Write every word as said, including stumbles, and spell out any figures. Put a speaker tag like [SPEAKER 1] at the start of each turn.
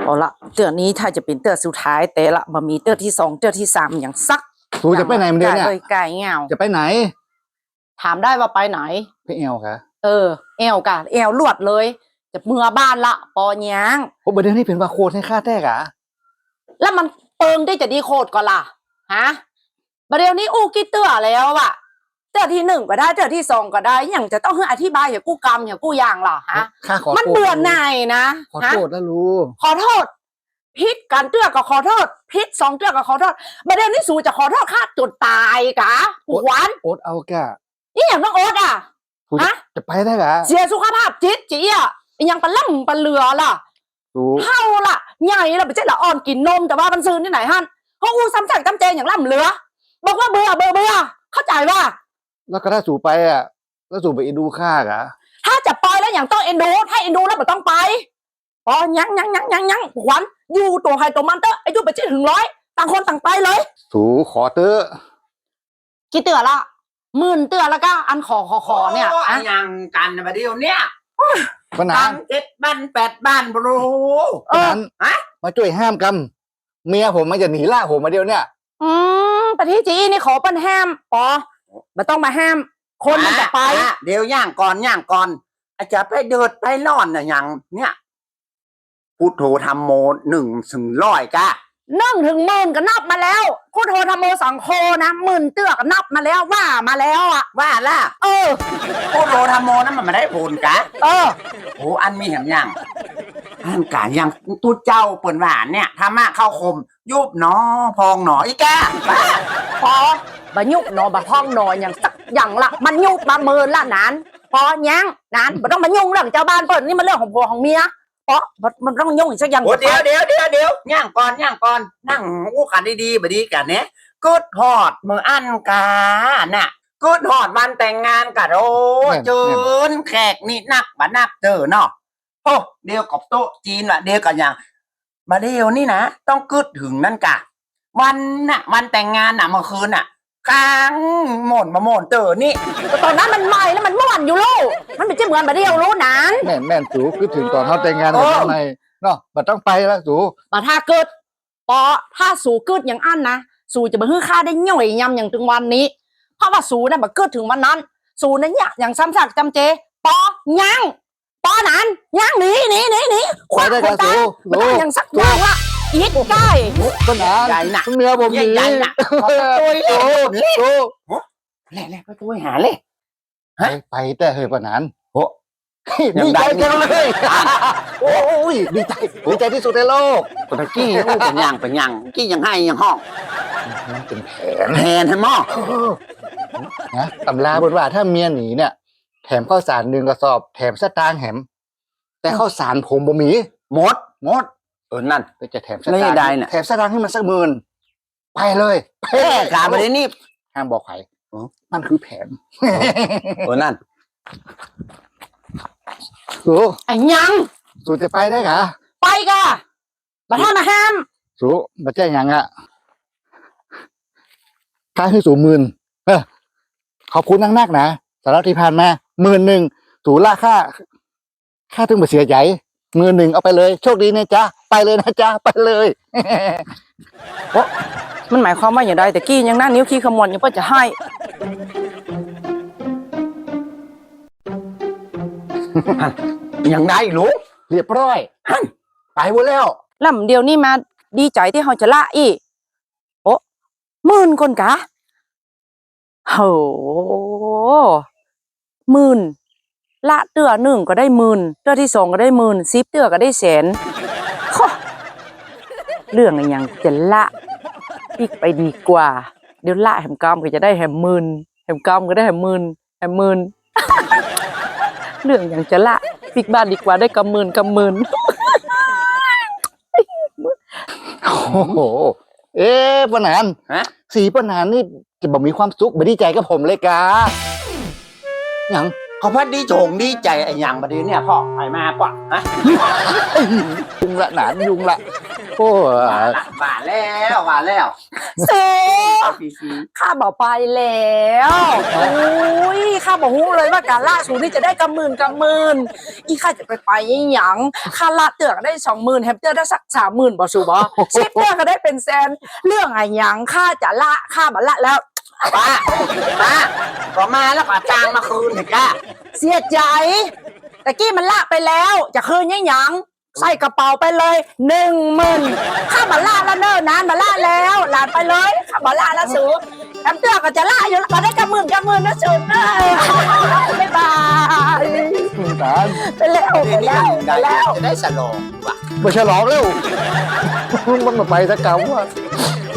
[SPEAKER 1] เอาละเตือนนี้ถ้าจะเป็นเตือนสุดท้ายแต่ละมามีเตือนที่สองเตือนที่สามอย่างซัก
[SPEAKER 2] สูจะไปไหนมันเดียวเนี่ย
[SPEAKER 1] เลยไก่เงา
[SPEAKER 2] จะไปไหน
[SPEAKER 1] ถามได้ว่าไปไหน
[SPEAKER 2] ไปเอวค่ะ
[SPEAKER 1] เออเอวกะเอวลวดเลยจะเมื่อบ้านละปอยาง
[SPEAKER 2] โอ้ประเดี๋ยวนี้เป็นว่าโคตรให้ค่าแท้กะ
[SPEAKER 1] แล้วมันเปิงได้จะดีโคตรก่อนล่ะฮะประเดี๋ยวนี้อู้กี่เตือแล้วอะเตือที่หนึ่งก็ได้เตือที่สองก็ได้อย่างจะต้องให้อธิบายอย่ากู้กรรมอย่ากู้ยางหรอฮะ
[SPEAKER 2] ข้าขอ
[SPEAKER 1] มันเบื่อหน่ายนะ
[SPEAKER 2] ขอโทษแล้วลูก
[SPEAKER 1] ขอโทษพิษการเตือก็ขอโทษพิษสองเตือก็ขอโทษประเดี๋ยวนี้สู่จะขอโทษข้าจนตายกะหวาน
[SPEAKER 2] โอ๊ตเอาแก
[SPEAKER 1] นี่อย่างต้องโอ๊ตอ่ะ
[SPEAKER 2] ฮะจะไปได้กะ
[SPEAKER 1] เสียสุขภาพจิตจีอ่ะยังปลาล่ำปลาเรือล่ะเท่าล่ะใหญ่ล่ะไม่ใช่ละอ่อนกินนมแต่ว่ามันซื้อที่ไหนฮั่นเขาอู้ซ้ำสั่งจำเจอย่างล่ำเรือบอกว่าเบื่อเบื่อเบื่อเข้าใจว่า
[SPEAKER 2] แล้วก็ถ้าสู่ไปอ่ะแล้วสู่ไปเอ็นดูข้ากะ
[SPEAKER 1] ถ้าจะไปแล้วอย่างต้องเอ็นดูถ้าเอ็นดูแล้วไม่ต้องไปอ๋อยังยังยังยังยังหวันอยู่ตัวใครตัวมันเตออายุไปเจ็ดถึงร้อยต่างคนต่างไปเลย
[SPEAKER 2] สู่ขอเตอะ
[SPEAKER 1] กี่เตือละหมื่นเตือแล้วก็อันขอขอขอเนี่ย
[SPEAKER 3] อันยังกันมาเดียวเนี่ย
[SPEAKER 2] ปัญหา
[SPEAKER 3] เจ็ดบ้านแปดบ้านบรู
[SPEAKER 2] เออฮะมาช่วยห้ามกำเมียผมมันจะหนีล่าผมมาเดียวเนี่ย
[SPEAKER 1] อืมปฏิจีนี่ขอปันห้ามปอไม่ต้องมาห้ามคนมันจะไป
[SPEAKER 3] เดี๋ยวย่างก่อนย่างก่อนอาจจะไปเดินไปนอนน่ะอย่างเนี่ยพุทโธธรรมโมหนึ่งถึงร้อยกะ
[SPEAKER 1] นึ่งถึงหมื่นก็นับมาแล้วพุทโธธรรมโมสังโฆนะหมื่นเตือก็นับมาแล้วว่ามาแล้วอ่ะ
[SPEAKER 3] ว่าล่ะ
[SPEAKER 1] เออ
[SPEAKER 3] พุทโธธรรมโมนั้นมันไม่ได้ผลกะ
[SPEAKER 1] เออ
[SPEAKER 3] โอ้อันมีแหมยังอันกะยังตู้เจ้าเปิ่นหวานเนี่ยธรรมะเข้าคมยุบหนอพองหนออีกะ
[SPEAKER 1] พอบะยุบหนอบะพองหนออย่างสักอย่างละมันยุบมาเมินละนั้นพอยังนั้นไม่ต้องมายุ่งเรื่องเจ้าบ้านเปิดนี่มันเรื่องของผัวของเมียเพราะมันต้องยุ่งอีกสักอย่าง
[SPEAKER 3] เดี๋ยวเดี๋ยวเดี๋ยวเดี๋ยวย่างก่อนย่างก่อนนั่งอู้กันดีๆบดีกันเนี่ยกูดฮอดมืออันกาน่ะกูดฮอดวันแต่งงานกันโอ้เจินแขกนี่นักบ่นักเจอเนาะโอ้เดียวกับโต๊ะจีนว่ะเดียวกับอย่างมาเดียวนี่นะต้องกึดถึงนั่นกะวันน่ะวันแต่งงานน่ะเมื่อคืนน่ะกลางหม่นมาหม่นเจอนี่
[SPEAKER 1] ตอนนั้นมันใหม่แล้วมันม่วนอยู่ลูกมันไม่ใช่เหมือนมาเดียวรู้นั้น
[SPEAKER 2] แม่แม่สูคือถึงตอนเขาแต่งงานกันทำไมเนาะมันต้องไปแล้วสู
[SPEAKER 1] มาถ้าเกิดปอถ้าสูเกิดอย่างอันนะสูจะมาฮื้อค่าได้ย่อยยำอย่างถึงวันนี้เพราะว่าสูเนี่ยมาเกิดถึงวันนั้นสูนั้นเนี่ยอย่างซ้ำซากจำเจปอยังปอนั้นยังหนีหนีหนีหนี
[SPEAKER 2] คว้าได้กันสู
[SPEAKER 1] ไม่ต้องอย่างสักอย่างละอีกได้
[SPEAKER 2] ปัญหา
[SPEAKER 3] ใหญ่หนัก
[SPEAKER 2] เมียผมหนี
[SPEAKER 3] ใหญ่หนัก
[SPEAKER 2] ตัวเล่ตัว
[SPEAKER 3] แล่แล่ไปตัวหาเลย
[SPEAKER 2] ไปแต่เฮ้ยปัญหาโอ้ดีใจจังเลยโอ้ยดีใจดีใจที่สุดในโลก
[SPEAKER 3] ตะกี้โอ้เป็นยังเป็นยังกี้ยังให้ยังห้อง
[SPEAKER 2] นั่นเป็นแผน
[SPEAKER 3] แผนให้หม้อ
[SPEAKER 2] นะตำราบนว่าถ้าเมียหนีเนี่ยแถมข้าวสารหนึ่งกระสอบแถมสตางค์แถมแต่ข้าวสารผมบ่มี
[SPEAKER 3] หมดหมดเออนั่น
[SPEAKER 2] จะแถมสตางค์แถมสตางค์ให้มันสักหมื่นไปเลย
[SPEAKER 3] แพ้กาไปเลยนี่
[SPEAKER 2] ห้ามบอกใครมันคือแผน
[SPEAKER 3] เออนั่น
[SPEAKER 2] สู
[SPEAKER 1] ไอ้ยัง
[SPEAKER 2] สูจะไปได้กะ
[SPEAKER 1] ไปกะมาท่ามาห้าม
[SPEAKER 2] สูมาแจ้งยังอ่ะค่าให้สูหมื่นเออขอบคุณนักๆนะสำหรับที่ผ่านมาหมื่นหนึ่งสูล่าค่าค่าถึงมาเสียใจหมื่นหนึ่งเอาไปเลยโชคดีนะจ๊ะไปเลยนะจ๊ะไปเลย
[SPEAKER 1] โอ้มันหมายความว่าอย่างไรแต่กี้ยังหน้านิ้วขี้ขมวดยังเพื่อจะให้
[SPEAKER 3] ยังได้ลูก
[SPEAKER 2] เรียบร้อยไปหมดแล้ว
[SPEAKER 1] ลำเดียวนี่มาดีใจที่เขาจะละอีโอ้หมื่นคนกะโหหมื่นละเตือหนึ่งก็ได้หมื่นเตือที่สองก็ได้หมื่นสิบเตือก็ได้แสนเรื่องอะไรยังจะละอีกไปดีกว่าเดี๋ยวละแหมกอมก็จะได้แหมหมื่นแหมกอมก็ได้แหมหมื่นแหมหมื่นเรื่องอย่างจะละปิกบ้านดีกว่าได้กำหมื่นกำหมื่น
[SPEAKER 2] โอ้โหเอ๊ะปนานสีปนานนี่จะบอกมีความสุขไม่ดีใจกับผมเลยกาอย่าง
[SPEAKER 3] เขาพัดดีโฉงดีใจไอ้หยังบัดนี้เนี่ยพ่อไอ้มาป่ะฮะ
[SPEAKER 2] ยุงละหนานยุงละโอ้
[SPEAKER 3] ว่าละว่าแล้วว่าแล้ว
[SPEAKER 1] สู
[SPEAKER 3] พี่ซี
[SPEAKER 1] ข้าบอกไปแล้วอุ้ยข้าบอกฮู้เลยว่าการล่าสูนี่จะได้กำหมื่นกำหมื่นอีข้าจะไปไปยังหยังข้าละเตือกได้สองหมื่นแฮมเตอร์ได้สักสามหมื่นบ่สูบ่ชิปเตอร์ก็ได้เป็นแสนเรื่องอะไรหยังข้าจะละข้าบัละแล้ว
[SPEAKER 3] ป้าป้าก็มาแล้วก็จ้างมาคืนเถอะจ้า
[SPEAKER 1] เสียใจแต่กี้มันละไปแล้วจะคืนยังหยังใส่กระเป๋าไปเลยหนึ่งหมื่นข้าบัละแล้วเนิ่นนานบัละแล้วหลานไปเลยข้าบัละแล้วสูแอมเตือก็จะละอยู่แล้วก็ได้กำหมื่นกำหมื่นนะสูเนอะบ๊ายบาย
[SPEAKER 2] หนาน
[SPEAKER 1] ไปแล้วไป
[SPEAKER 3] เดี๋ยวนี้
[SPEAKER 1] แล้ว
[SPEAKER 3] ได้
[SPEAKER 1] ไปแล้ว
[SPEAKER 3] จะได้สลองว่ะ
[SPEAKER 2] มาฉลองแล้วมึงมันมาไปตะเกาว่ะ